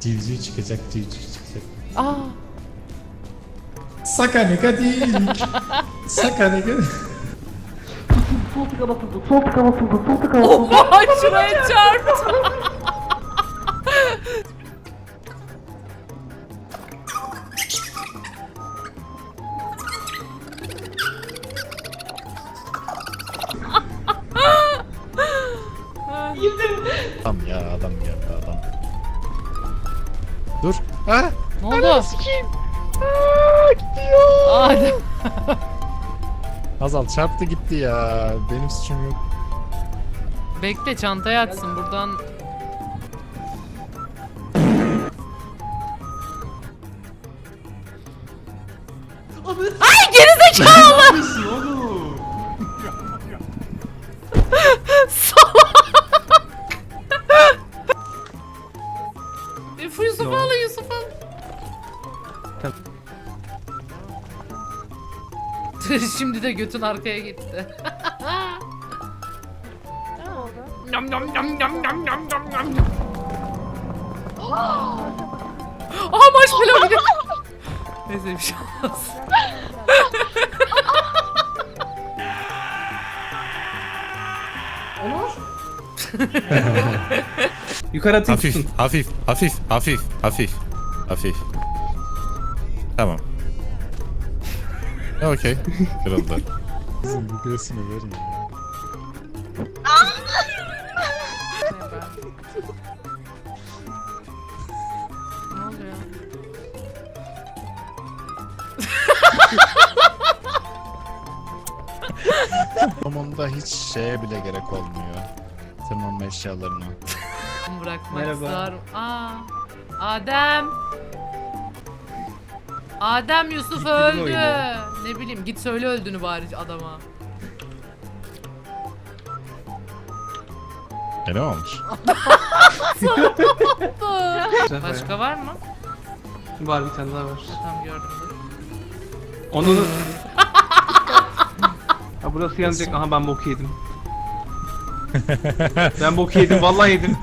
Civciv çıkacak, civciv çıkacak. Aa. Sakanika değil. Sakanika. Oha şuraya çarptı. Adam ya, adam geldi adam. Dur. Ha? Ne oldu? Sikeyim. Aa, gidiyor. Adem. Hazal çarptı gitti ya. Benim suçum yok. Bekle çantayı açsın buradan. Ay gerizekalı. Salak. Yusuf al, Yusuf al. Şimdi de götün arkaya gitti. Yam yam yam yam yam yam yam yam. Aha marshmallow gidiyor. Neyse bir şey olmaz. Yukarı atayım Hafif, tutun. hafif, hafif, hafif, hafif, hafif. Tamam. Okey. Kırıldı. Kızım bu göğsünü verin ya. Ne oluyor? Sonunda hiç şeye bile gerek olmuyor. Tırmanma eşyalarına. Bırakmak Merhaba. zor. Aa, Adem. Adem Yusuf Gitti değil mi öldü. oyunu? Ne bileyim git söyle öldüğünü bari adama. Ne olmuş? Başka var mı? Var bir tane daha var. Tamam gördüm dur. Onun... Ha burası yanacak. Aha ben bok yedim. Ben bok yedim. Vallahi yedim.